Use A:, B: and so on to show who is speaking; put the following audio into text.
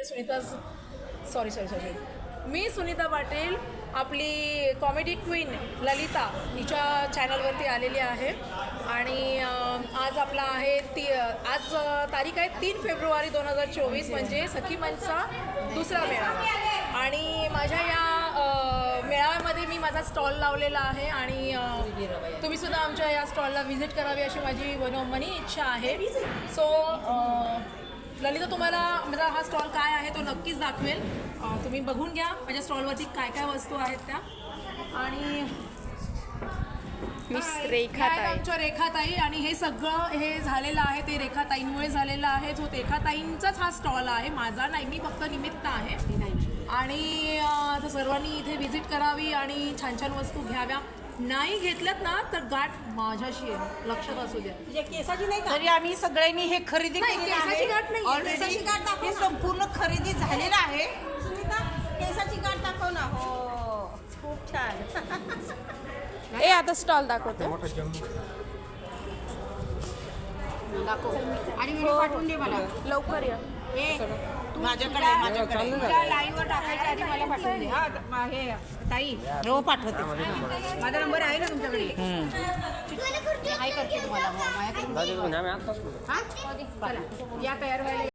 A: Sunita sorry sorry sorry मी सुनीता पाटील आपली comedy queen Lalita हिच्या चॅनलवरती आलेली आहे आणि आज आपला आहे आज तारीख आहे 3 फेब्रुवारी 2024 म्हणजे सखी मंचचा दुसरा मेळावा आणि माझ्या या मेळाव्यामध्ये मी माझा स्टॉल लावलेला आहे आणि तुम्ही सुद्धा आमच्या या स्टॉलला व्हिजिट करावी अशी माझी मनोमनी इच्छा आहे. सो ललिता तुम्हाला माझा हा स्टॉल काय आहे तो नक्कीच दाखवेल. तुम्ही बघून घ्या माझ्या स्टॉलवरती काय काय वस्तू आहेत त्या. आणि आमच्या रेखाताई आणि हे सगळं हे झालेलं आहे ते रेखाताईंमुळे झालेलं आहे. जो रेखाताईंचाच हा स्टॉल आहे, माझा नाही, मी फक्त निमित्त आहे. आणि सर्वांनी इथे व्हिजिट करावी आणि छान छान वस्तू घ्याव्या. नाही घेतल्यात ना तर गाठ माझ्याशी आहे, लक्षात असू द्या.
B: केसाची नाही
C: तरी आम्ही सगळ्यांनी हे खरेदी
A: केसाची गाठ नाही,
C: ऑलरेडी हे संपूर्ण खरेदी झालेलं आहे.
B: सुनीता केसाची गाठ दाखव ना. हो खूप छान.
D: ए आता स्टॉल दाखवतो.
B: दाखव आणि व्हिडिओ पाठवून दे मला
D: लवकर या.
C: माझ्याकडे
B: लाईनवर टाकायच्या आधी मला पाठवून दे. हा हे ताई
C: हो पाठवते.
B: माझा नंबर आहे ना तुमच्याकडे. काय करते तुम्हाला माझ्याकडे. हा चला या तयार व्हायला.